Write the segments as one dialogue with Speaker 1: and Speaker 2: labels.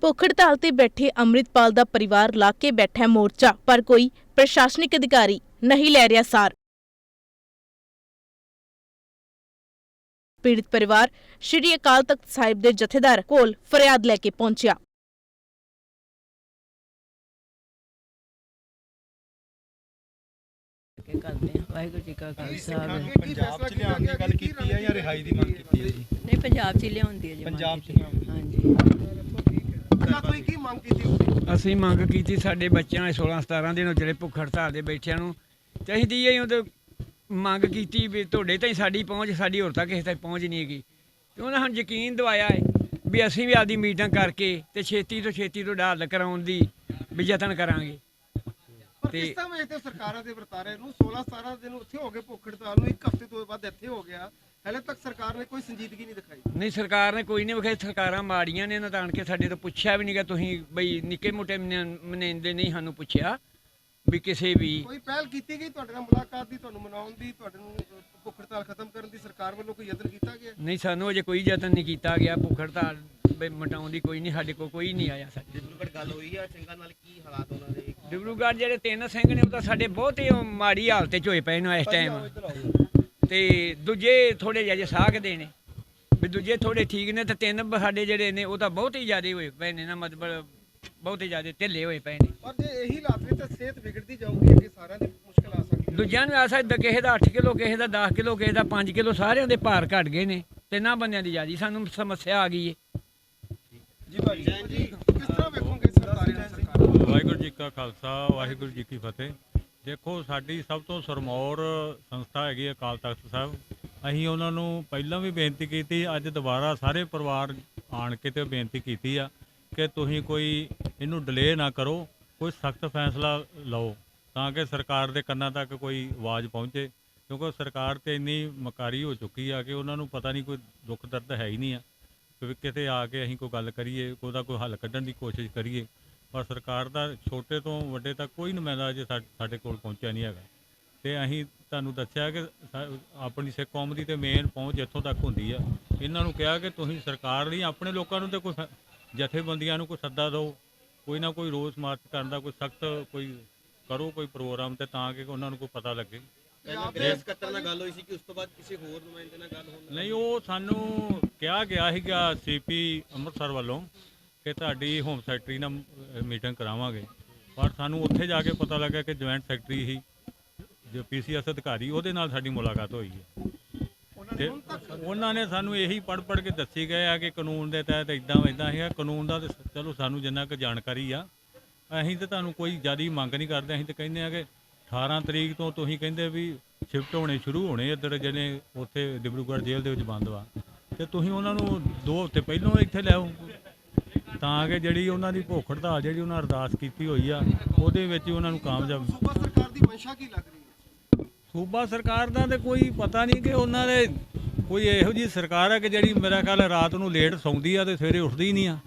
Speaker 1: ਭੁੱਖ ਹੜਤਾਲ ਤੇ ਬੈਠੇ ਅੰਮ੍ਰਿਤਪਾਲ ਦਾ ਪਰਿਵਾਰ ਲਾ ਕੇ ਬੈਠਾ ਮੋਰਚਾ, ਪਰ ਕੋਈ ਪ੍ਰਸ਼ਾਸਨਿਕ ਅਧਿਕਾਰੀ ਨਹੀਂ ਲੈ ਰਿਹਾ ਸਾਰ। ਪੀੜਤ ਪਰਿਵਾਰ ਸ਼੍ਰੀ ਅਕਾਲ ਤਖਤ ਸਾਹਿਬ ਦੇ ਜਥੇਦਾਰ ਕੋਲ ਫਰਿਆਦ ਲੈ ਕੇ ਪਹੁੰਚਿਆ।
Speaker 2: ਵਾਹਿਗੁਰੂ ਜੀ ਕਾ ਖਾਲਸਾ।
Speaker 3: ਪੰਜਾਬ ਚ ਲਿਆਉਣ ਦੀ ਗੱਲ ਕੀਤੀ ਹੈ ਜਾਂ ਰਿਹਾਈ ਦੀ ਮੰਗ ਕੀਤੀ ਹੈ ਜੀ?
Speaker 2: ਨਹੀਂ, ਪੰਜਾਬ ਚ ਲਿਆਉਂਦੀ ਹੈ ਜੀ।
Speaker 3: ਪੰਜਾਬ ਚ
Speaker 2: ਹਾਂਜੀ।
Speaker 3: ਤੁਸੀਂ ਕੀ ਮੰਗ ਕੀਤੀ?
Speaker 4: ਅਸੀਂ ਮੰਗ ਕੀਤੀ ਸਾਡੇ ਬੱਚਿਆਂ ਨੇ 16-17 ਦਿਨ ਜਿਹੜੇ ਭੁੱਖ ਹੜਤਾਲ ਦੇ ਬੈਠਿਆਂ ਨੂੰ ਚਾਹੀਦੀ ਹੈ ਉਹਦੇ ਮੰਗ ਕੀਤੀ ਵੀ ਤੁਹਾਡੇ ਤਾਈਂ ਸਾਡੀ ਪਹੁੰਚ, ਸਾਡੀ ਹੋਰ ਤੱਕ ਕਿਸੇ ਤੱਕ ਪਹੁੰਚ ਨਹੀਂ ਹੈਗੀ। ਤੇ ਉਹਨਾਂ ਨੂੰ ਯਕੀਨ ਦਵਾਇਆ ਹੈ ਵੀ ਅਸੀਂ ਵੀ ਆਪਦੀ ਮੀਟਿੰਗ ਕਰਕੇ ਤੇ ਛੇਤੀ ਤੋਂ ਹੱਲ ਕਰਾਉਣ ਦੀ ਵੀ ਯਤਨ ਕਰਾਂਗੇ।
Speaker 3: ਤੇ ਕਿਸ ਤਰ੍ਹਾਂ ਵੇਖਦੇ ਸਰਕਾਰਾਂ ਦੇ ਵਰਤਾਰੇ ਨੂੰ? 16-17 ਦਿਨ ਉੱਥੇ ਹੋ ਗਏ ਭੁੱਖ ਹੜਤਾਲ ਨੂੰ, ਇੱਕ ਹਫ਼ਤੇ ਤੋਂ ਬਾਅਦ ਇੱਥੇ ਹੋ ਗਿਆ, ਹਲੇ ਤੱਕ ਸਰਕਾਰ ਨੇ ਕੋਈ ਸੰਜੀਦਗੀ ਨਹੀਂ ਦਿਖਾਈ।
Speaker 4: ਨਹੀਂ, ਸਰਕਾਰ ਨੇ ਕੋਈ ਨਹੀਂ ਵਿਖਾਈ। ਸਰਕਾਰਾਂ ਮਾੜੀਆਂ ਨੇ, ਇਹਨਾਂ ਤਾਂ ਆਣ ਕੇ ਸਾਡੇ ਤੋਂ ਪੁੱਛਿਆ ਵੀ ਨਹੀਂਗਾ। ਤੁਸੀਂ ਬਈ ਨਿੱਕੇ ਮੋਟੇ ਮਨੇਂਦੇ ਨਹੀਂ ਸਾਨੂੰ ਪੁੱਛਿਆ ਵੀ ਕਿਸੇ ਵੀ
Speaker 3: ਕੋਈ ਪਹਿਲ ਕੀਤੀ ਗਈ ਤੁਹਾਡੇ ਨਾਲ ਮੁਲਾਕਾਤ ਦੀ, ਤੁਹਾਨੂੰ ਮਨਾਉਣ ਦੀ, ਤੁਹਾਡੇ ਨੂੰ ਭੁੱਖ ਹੜਤਾਲ ਖਤਮ ਕਰਨ ਦੀ ਸਰਕਾਰ ਵੱਲੋਂ ਕੋਈ ਯਤਨ ਕੀਤਾ ਗਿਆ?
Speaker 4: ਨਹੀਂ, ਸਾਨੂੰ ਅਜੇ ਕੋਈ ਯਤਨ ਨਹੀਂ ਕੀਤਾ ਗਿਆ ਭੁੱਖ ਹੜਤਾਲ ਮਟਾਉਣ ਦੀ। ਕੋਈ ਨਹੀਂ, ਸਾਡੇ ਕੋਲ ਕੋਈ ਨਹੀਂ ਆਇਆ। ਸਾਡੇ
Speaker 3: ਡਿਬਰੂਗੜ੍ਹ ਗੱਲ ਹੋਈ ਆ ਸਿੰਘਾਂ ਨਾਲ, ਕੀ ਹਾਲਾਤ ਉਹਨਾਂ ਦੇ?
Speaker 4: ਡਿਬਰੂਗੜ੍ਹ ਜਿਹੜੇ 3 ਸਿੰਘ ਨੇ ਉਹ ਤਾਂ ਸਾਡੇ ਬਹੁਤ ਹੀ ਮਾੜੀ ਹਾਲਤ 'ਚ ਹੋਏ ਪਏ ਨੇ ਇਸ ਟਾਈਮ। ਤੇ ਦੂਜੇ ਥੋੜੇ ਜਿਹੇ ਸਾਖਦੇ ਨੇ ਵੀ ਦੂਜੇ ਥੋੜੇ ਠੀਕ ਨੇ, ਤੇ 3 ਸਾਡੇ ਜਿਹੜੇ ਨੇ ਉਹ ਤਾਂ ਬਹੁਤ ਹੀ ਜ਼ਿਆਦਾ ਹੋਏ ਪਏ ਨੇ ਨਾ, ਮਤਲਬ ਬਹੁਤ ਹੀ ਜ਼ਿਆਦਾ ਢਿੱਲੇ ਹੋਏ ਪਏ ਨੇ।
Speaker 3: ਪਰ ਜੇ ਇਹੀ ਹਾਲਾਤ ਵਿੱਚ ਤਾਂ ਸਿਹਤ ਵਿਗੜਦੀ ਜਾਊਗੀ, ਅੱਗੇ ਸਾਰਿਆਂ ਦੀ ਮੁਸ਼ਕਲ ਆ ਸਕਦੀ ਹੈ।
Speaker 4: ਦੂਜਿਆਂ ਨੂੰ ਆ ਸਕਦਾ, ਕਿਸੇ ਦਾ 8 ਕਿਲੋ, ਕਿਸੇ ਦਾ 10 ਕਿਲੋ, ਕਿਸੇ ਦਾ 5 ਕਿਲੋ, ਸਾਰਿਆਂ ਦੇ ਭਾਰ ਘਟ ਗਏ ਨੇ। 3 ਬੰਦਿਆਂ ਦੀ ਜ਼ਿਆਦਾ ਸਾਨੂੰ ਸਮੱਸਿਆ ਆ ਗਈ ਹੈ
Speaker 3: ਜੀ ਭਾਈ ਜੀ, ਕਿਸ ਤਰ੍ਹਾਂ ਵੇਖੋਗੇ ਸਰਕਾਰੀ ਸਰਕਾਰ?
Speaker 5: ਵਾਹਿਗੁਰੂ ਜੀ ਕਾ ਖਾਲਸਾ, ਵਾਹਿਗੁਰੂ ਜੀ ਕੀ ਫਤਿਹ। ਦੇਖੋ, ਸਾਡੀ ਸਭ ਤੋਂ ਸਰਮੌਰ ਸੰਸਥਾ ਹੈਗੀ ਅਕਾਲ ਤਖਤ ਸਾਹਿਬ। ਅਸੀਂ ਉਹਨਾਂ ਨੂੰ ਪਹਿਲਾਂ ਵੀ ਬੇਨਤੀ ਕੀਤੀ, ਅੱਜ ਦੁਬਾਰਾ ਸਾਰੇ ਪਰਿਵਾਰ ਆਣ ਕੇ ਤੇ ਬੇਨਤੀ ਕੀਤੀ ਆ ਕਿ ਤੁਸੀਂ ਕੋਈ ਇਹਨੂੰ ਡਿਲੇ ਨਾ ਕਰੋ, ਕੋਈ ਸਖਤ ਫੈਸਲਾ ਲਓ ਤਾਂ ਕਿ ਸਰਕਾਰ ਦੇ ਕੰਨਾਂ ਤੱਕ ਕੋਈ ਆਵਾਜ਼ ਪਹੁੰਚੇ। ਕਿਉਂਕਿ ਸਰਕਾਰ ਤੇ ਇੰਨੀ ਮਕਾਰੀ ਹੋ ਚੁੱਕੀ ਆ ਕਿ ਉਹਨਾਂ ਨੂੰ ਪਤਾ ਨਹੀਂ, ਕੋਈ ਦੁੱਖ ਦਰਦ ਹੈ ਹੀ ਨਹੀਂ ਆ ਕਿ ਕਿਤੇ ਆ ਕੇ ਅਸੀਂ ਕੋਈ ਗੱਲ ਕਰੀਏ, ਉਹਦਾ ਕੋਈ ਹੱਲ ਕੱਢਣ ਦੀ ਕੋਸ਼ਿਸ਼ ਕਰੀਏ। ਪਰ ਸਰਕਾਰ ਦਾ ਛੋਟੇ ਤੋਂ ਵੱਡੇ ਤੱਕ ਕੋਈ ਨੁਮਾਇੰਦਾ ਅਜੇ ਸਾਡੇ ਕੋਲ ਪਹੁੰਚਿਆ ਨਹੀਂ ਹੈਗਾ। ਤੇ ਅਸੀਂ ਤੁਹਾਨੂੰ ਦੱਸਿਆ ਕਿ ਆਪਣੀ ਸਿੱਖ ਕੌਮ ਦੀ ਤੇ ਮੇਨ ਪਹੁੰਚ ਇੱਥੋਂ ਤੱਕ ਹੁੰਦੀ ਆ। ਇਹਨਾਂ ਨੂੰ ਕਿਹਾ ਕਿ ਤੁਸੀਂ ਸਰਕਾਰ ਨਹੀਂ, ਆਪਣੇ ਲੋਕਾਂ ਨੂੰ ਤੇ ਕੋਈ ਜਥੇਬੰਦੀਆਂ ਨੂੰ ਕੋਈ ਸੱਦਾ ਦਿਓ, ਕੋਈ ਨਾ ਕੋਈ ਰੋਸ ਮਾਰਚ ਕਰਨ ਦਾ ਕੋਈ ਸਖਤ ਕੋਈ ਕਰੋ, ਕੋਈ ਪ੍ਰੋਗਰਾਮ, ਤੇ ਤਾਂ ਕਿ ਉਹਨਾਂ ਨੂੰ ਕੋਈ ਪਤਾ ਲੱਗੇ।
Speaker 3: ਸਕੱਤਰ ਨਾਲ ਗੱਲ ਹੋਈ ਸੀ ਕਿ ਉਸ ਤੋਂ ਬਾਅਦ ਕਿਸੇ ਹੋਰ ਨੁਮਾਇੰਦੇ ਨਾਲ ਗੱਲ ਹੋਣੀ?
Speaker 5: ਨਹੀਂ, ਉਹ ਸਾਨੂੰ ਕਿਹਾ ਗਿਆ ਸੀਗਾ CP ਅੰਮ੍ਰਿਤਸਰ ਵੱਲੋਂ ਕਿ ਤੁਹਾਡੀ ਹੋਮ ਸੈਕਟਰੀ ਨਾਲ ਮੀਟਿੰਗ ਕਰਾਵਾਂਗੇ। ਪਰ ਸਾਨੂੰ ਉੱਥੇ ਜਾ ਕੇ ਪਤਾ ਲੱਗਾ ਕਿ ਜੁਆਇੰਟ ਸੈਕਟਰੀ ਹੀ ਜੋ PCS ਅਧਿਕਾਰੀ, ਉਹਦੇ ਨਾਲ ਸਾਡੀ ਮੁਲਾਕਾਤ ਹੋਈ ਹੈ। ਤੇ ਉਹਨਾਂ ਨੇ ਸਾਨੂੰ ਇਹੀ ਪੜ੍ਹ ਕੇ ਦੱਸੀ ਗਏ ਆ ਕਿ ਕਾਨੂੰਨ ਦੇ ਤਹਿਤ ਇੱਦਾਂ ਹੈਗਾ। ਕਾਨੂੰਨ ਦਾ ਤਾਂ ਚਲੋ ਸਾਨੂੰ ਜਿੰਨਾ ਕੁ ਜਾਣਕਾਰੀ ਆ, ਅਸੀਂ ਤਾਂ ਤੁਹਾਨੂੰ ਕੋਈ ਜ਼ਿਆਦਾ ਮੰਗ ਨਹੀਂ ਕਰਦੇ। ਅਸੀਂ ਤਾਂ ਕਹਿੰਦੇ ਆ ਕਿ 18 ਤਰੀਕ ਤੋਂ ਤੁਸੀਂ ਕਹਿੰਦੇ ਵੀ ਸ਼ਿਫਟ ਹੋਣੇ ਸ਼ੁਰੂ ਹੋਣੇ ਇੱਧਰ, ਜਿਹੜੇ ਉੱਥੇ ਡਿਬਰੂਗੜ੍ਹ ਜੇਲ੍ਹ ਦੇ ਵਿੱਚ ਬੰਦ ਵਾ, ਤੇ ਤੁਸੀਂ ਉਹਨਾਂ ਨੂੰ 2 ਹਫ਼ਤੇ ਪਹਿਲਾਂ ਇੱਥੇ ਲਿਆਓ ਤਾਂ ਕਿ ਜਿਹੜੀ ਉਹਨਾਂ ਦੀ ਭੁੱਖ ਹੜਤਾਲ ਜਿਹੜੀ ਉਹਨਾਂ ਅਰਦਾਸ ਕੀਤੀ ਹੋਈ ਆ ਉਹਦੇ ਵਿੱਚ ਹੀ ਉਹਨਾਂ ਨੂੰ ਕਾਮਯਾਬ।
Speaker 3: ਸੂਬਾ ਸਰਕਾਰ ਦੀ ਮਨਸ਼ਾ ਕੀ ਲੱਗ ਰਹੀ ਹੈ?
Speaker 5: ਸੂਬਾ ਸਰਕਾਰ ਦਾ ਤੇ ਕੋਈ ਪਤਾ ਨਹੀਂ ਕਿ ਉਹਨਾਂ ਦੇ ਕੋਈ ਇਹੋ ਜਿਹੀ ਸਰਕਾਰ ਹੈ ਕਿ ਜਿਹੜੀ ਮੇਰਾ ਖਿਆਲ ਰਾਤ ਨੂੰ ਲੇਟ ਸੌਂਦੀ ਆ ਤੇ ਸਵੇਰੇ ਉੱਠਦੀ ਹੀ ਨਹੀਂ ਆ।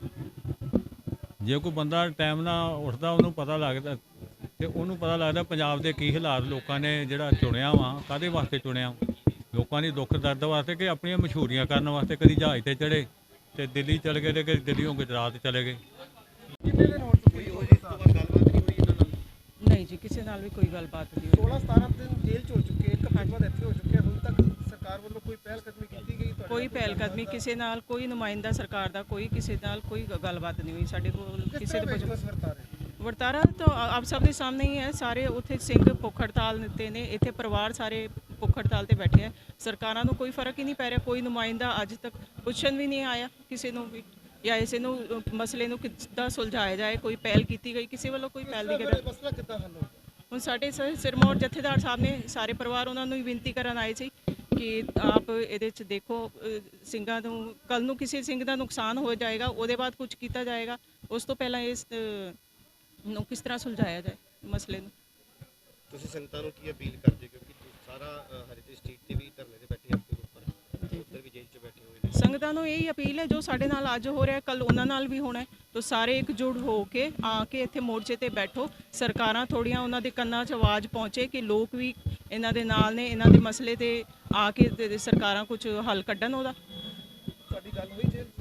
Speaker 5: ਜੇ ਕੋਈ ਬੰਦਾ ਟਾਈਮ ਨਾਲ ਉੱਠਦਾ, ਉਹਨੂੰ ਪਤਾ ਲੱਗਦਾ, ਤੇ ਉਹਨੂੰ ਪਤਾ ਲੱਗਦਾ ਪੰਜਾਬ ਦੇ ਕੀ ਹਾਲਾਤ, ਲੋਕਾਂ ਨੇ ਜਿਹੜਾ ਚੁਣਿਆ ਵਾ ਕਾਹਦੇ ਵਾਸਤੇ ਚੁਣਿਆ, ਲੋਕਾਂ ਦੀ ਦੁੱਖ ਦਰਦ ਵਾਸਤੇ ਕਿ ਆਪਣੀਆਂ ਮਸ਼ਹੂਰੀਆਂ ਕਰਨ ਵਾਸਤੇ। ਕਦੀ ਜਹਾਜ਼ ਤੇ ਚੜੇ ਤੇ ਦਿੱਲੀ ਚਲੇ ਗਏ, ਤੇ ਕਦੀ ਦਿੱਲੀੋਂ ਗੁਜਰਾਤ ਚਲੇ ਗਏ।
Speaker 3: ਕਿੰਨੇ ਦਿਨ ਹੋ ਚੁੱਕੇ ਹੋ ਜੀ? ਗੱਲਬਾਤ ਨਹੀਂ ਹੋਈ ਇਹਨਾਂ ਨਾਲ?
Speaker 2: ਨਹੀਂ ਜੀ, ਕਿਸੇ ਨਾਲ ਵੀ ਕੋਈ ਗੱਲਬਾਤ ਨਹੀਂ।
Speaker 3: 16-17 ਦਿਨ ਜੇਲ੍ਹ 'ਚ ਹੋ ਚੁੱਕੇ, ਇੱਕ ਹਫ਼ਤੇ ਬਾਅਦ ਇੱਥੇ ਹੋ ਚੁੱਕੇ, ਹੁਣ ਤੱਕ ਸਰਕਾਰ ਵੱਲੋਂ ਕੋਈ ਪਹਿਲ ਕਦਮੀ ਕੀਤੀ ਗਈ?
Speaker 2: ਕੋਈ ਪਹਿਲ ਕਦਮੀ ਕਿਸੇ ਨਾਲ, ਕੋਈ ਨੁਮਾਇੰਦਾ ਸਰਕਾਰ ਦਾ, ਕੋਈ ਕਿਸੇ ਨਾਲ ਕੋਈ ਗੱਲਬਾਤ ਨਹੀਂ ਹੋਈ ਸਾਡੇ ਕੋਲ। ਕਿਸੇ ਦੇ ਵਰਤਾਰਾ ਤਾਂ ਆਪ ਸਭ ਦੇ ਸਾਹਮਣੇ ਹੀ ਹੈ। ਸਾਰੇ ਉੱਥੇ ਸਿੰਘ ਭੁੱਖ ਹੜਤਾਲ ਤੇ ਨੇ, ਇੱਥੇ ਪਰਿਵਾਰ ਸਾਰੇ ਭੁੱਖ ਹੜਤਾਲ ਤੇ ਬੈਠੇ ਹੈ। ਸਰਕਾਰਾਂ ਨੂੰ ਕੋਈ ਫਰਕ ਹੀ ਨਹੀਂ ਪੈ ਰਿਹਾ। ਕੋਈ ਨੁਮਾਇੰਦਾ ਅੱਜ ਤੱਕ ਪੁੱਛਣ ਵੀ ਨਹੀਂ ਆਇਆ ਕਿਸੇ ਨੂੰ ਵੀ, ਜਾਂ ਇਸੇ ਨੂੰ ਮਸਲੇ ਨੂੰ ਕਿੱਦਾਂ ਸੁਲਝਾਇਆ ਜਾਏ। ਕੋਈ ਪਹਿਲ ਕੀਤੀ ਗਈ ਕਿਸੇ ਵੱਲੋਂ? ਕੋਈ ਪਹਿਲ ਨਹੀਂ ਕੀਤੀ।
Speaker 3: ਮਸਲਾ ਕਿੱਦਾਂ ਹੱਲ ਹੋਊ?
Speaker 2: ਹੁਣ ਸਾਡੇ ਸਿਰਮੌਰ ਜਥੇਦਾਰ ਸਾਹਿਬ ਨੇ ਸਾਰੇ ਪਰਿਵਾਰ ਉਹਨਾਂ ਨੂੰ ਹੀ ਬੇਨਤੀ ਕਰਨ ਆਏ ਸੀ ਕਿ ਆਪ ਇਹਦੇ 'ਚ ਦੇਖੋ, ਸਿੰਘਾਂ ਨੂੰ ਕੱਲ੍ਹ ਨੂੰ ਕਿਸੇ ਸਿੰਘ ਦਾ ਨੁਕਸਾਨ ਹੋ ਜਾਏਗਾ, ਉਹਦੇ ਬਾਅਦ ਕੁਝ ਕੀਤਾ ਜਾਏਗਾ। ਉਸ ਤੋਂ ਪਹਿਲਾਂ ਇਸ ਨੂੰ ਕਿਸ ਤਰ੍ਹਾਂ ਸੁਲਝਾਇਆ ਜਾਏ ਮਸਲੇ ਨੂੰ।
Speaker 6: ਤੁਸੀਂ ਸੰਗਤਾਂ ਨੂੰ ਕੀ ਅਪੀਲ ਕਰਦੇ, ਕਿਉਂਕਿ ਸਾਰਾ ਹਰਿਤੇ ਸਟਰੀਟ ਤੇ ਵੀ ਧਰਨੇ ਤੇ ਬੈਠੇ ਆਪਣੇ ਉੱਪਰ ਵੀ ਜੇਲ੍ਹ 'ਚ ਬੈਠੇ ਹੋਏ ਨੇ?
Speaker 2: ਸੰਗਤਾਂ ਨੂੰ ਇਹੀ ਅਪੀਲ ਹੈ, ਜੋ ਸਾਡੇ ਨਾਲ ਅੱਜ ਹੋ ਰਿਹਾ ਕੱਲ੍ਹ ਉਹਨਾਂ ਨਾਲ ਵੀ ਹੋਣਾ ਹੈ। ਤਾਂ ਸਾਰੇ ਇਕਜੁੱਟ ਹੋ ਕੇ ਆ ਕੇ ਇੱਥੇ ਮੋਰਚੇ ਤੇ ਬੈਠੋ। ਸਰਕਾਰਾਂ ਥੋੜ੍ਹੀਆਂ ਉਹਨਾਂ ਦੇ ਕੰਨਾਂ 'ਚ ਆਵਾਜ਼ ਪਹੁੰਚੇ ਕਿ ਲੋਕ ਵੀ ਇਹਨਾਂ ਦੇ ਨਾਲ ਨੇ, ਇਹਨਾਂ ਦੇ ਮਸਲੇ ਤੇ ਆ ਕੇ ਸਰਕਾਰਾਂ ਕੁਝ ਹੱਲ ਕੱਢਣ ਉਹਦਾ।
Speaker 3: ਤੁਹਾਡੀ ਗੱਲ ਹੋਈ ਜੇਲ੍ਹ?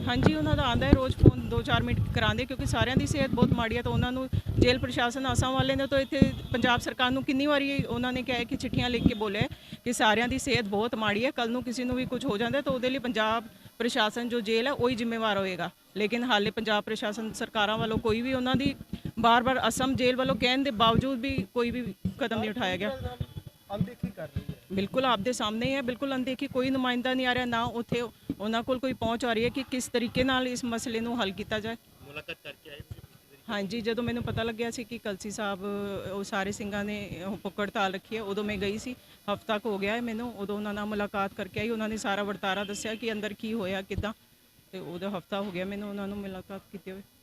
Speaker 2: ਹਾਂਜੀ ਉਹਨਾਂ ਦਾ ਆਂਦਾ ਹੈ ਰੋਜ਼ ਫੋਨ 2-4 ਮਿੰਟ ਕਰਾਉਂਦੇ, ਕਿਉਂਕਿ ਸਾਰਿਆਂ ਦੀ ਸਿਹਤ ਬਹੁਤ ਮਾੜੀ ਹੈ। ਤਾਂ ਉਹਨਾਂ ਨੂੰ ਜੇਲ੍ਹ ਪ੍ਰਸ਼ਾਸਨ ਆਸਾਮ ਵਾਲੇ ਨੇ ਤਾਂ ਇੱਥੇ ਪੰਜਾਬ ਸਰਕਾਰ ਨੂੰ ਕਿੰਨੀ ਵਾਰੀ ਉਹਨਾਂ ਨੇ ਕਿਹਾ ਕਿ ਚਿੱਠੀਆਂ ਲਿਖ ਕੇ ਬੋਲਿਆ ਕਿ ਸਾਰਿਆਂ ਦੀ ਸਿਹਤ ਬਹੁਤ ਮਾੜੀ ਹੈ, ਕੱਲ ਨੂੰ ਕਿਸੇ ਨੂੰ ਵੀ ਕੁਝ ਹੋ ਜਾਂਦਾ ਤਾਂ ਉਹਦੇ ਲਈ ਪੰਜਾਬ ਪ੍ਰਸ਼ਾਸਨ ਜੋ ਜੇਲ੍ਹ ਹੈ ਉਹੀ ਜ਼ਿੰਮੇਵਾਰ ਹੋਏਗਾ। ਲੇਕਿਨ ਹਾਲੇ ਪੰਜਾਬ ਪ੍ਰਸ਼ਾਸਨ ਸਰਕਾਰਾਂ ਵੱਲੋਂ ਕੋਈ ਵੀ ਉਹਨਾਂ ਦੀ ਬਾਰ-ਬਾਰ ਅਸਮ ਜੇਲ੍ਹ ਵੱਲੋਂ ਕਹਿਣ ਦੇ ਬਾਵਜੂਦ ਵੀ ਕੋਈ ਵੀ ਕਦਮ ਨਹੀਂ ਉਠਾਇਆ ਗਿਆ।
Speaker 3: ਅਣਦੇਖੀ ਕਰ ਰਹੀ ਹੈ।
Speaker 2: ਬਿਲਕੁਲ ਆਪਦੇ ਸਾਹਮਣੇ ਹੀ ਹੈ, ਬਿਲਕੁਲ ਅਣਦੇਖੀ, ਕੋਈ ਨੁਮਾਇੰਦਾ ਨਹੀਂ ਆ ਰਿਹਾ, ਨਾ ਉੱਥੇ ਉਹਨਾਂ ਕੋਲ ਕੋਈ ਪਹੁੰਚ ਆ ਰਹੀ ਹੈ ਕਿ ਕਿਸ ਤਰੀਕੇ ਨਾਲ ਇਸ ਮਸਲੇ ਨੂੰ ਹੱਲ ਕੀਤਾ ਜਾਏ।
Speaker 6: ਮੁਲਾਕਾਤ ਕਰਕੇ ਆਏ ਤੁਸੀਂ ਪਿਛਲੀ ਵਾਰੀ?
Speaker 2: ਹਾਂਜੀ, ਜਦੋਂ ਮੈਨੂੰ ਪਤਾ ਲੱਗਿਆ ਸੀ ਕਿ ਕਲਸੀ ਸਾਹਿਬ ਉਹ ਸਾਰੇ ਸਿੰਘਾਂ ਨੇ ਉਹ ਭੁੱਖ ਹੜਤਾਲ ਰੱਖੀ ਹੈ, ਉਦੋਂ ਮੈਂ ਗਈ ਸੀ। ਹਫ਼ਤਾ ਕੁ ਹੋ ਗਿਆ ਹੈ ਮੈਨੂੰ, ਉਦੋਂ ਉਹਨਾਂ ਨਾਲ ਮੁਲਾਕਾਤ ਕਰਕੇ ਆਈ। ਉਹਨਾਂ ਨੇ ਸਾਰਾ ਵਰਤਾਰਾ ਦੱਸਿਆ ਕਿ ਅੰਦਰ ਕੀ ਹੋਇਆ ਕਿੱਦਾਂ, ਤੇ ਉਹਦਾ ਹਫ਼ਤਾ ਹੋ ਗਿਆ ਮੈਨੂੰ ਉਹਨਾਂ ਨੂੰ ਮੁਲਾਕਾਤ ਕੀਤੇ ਹੋਏ।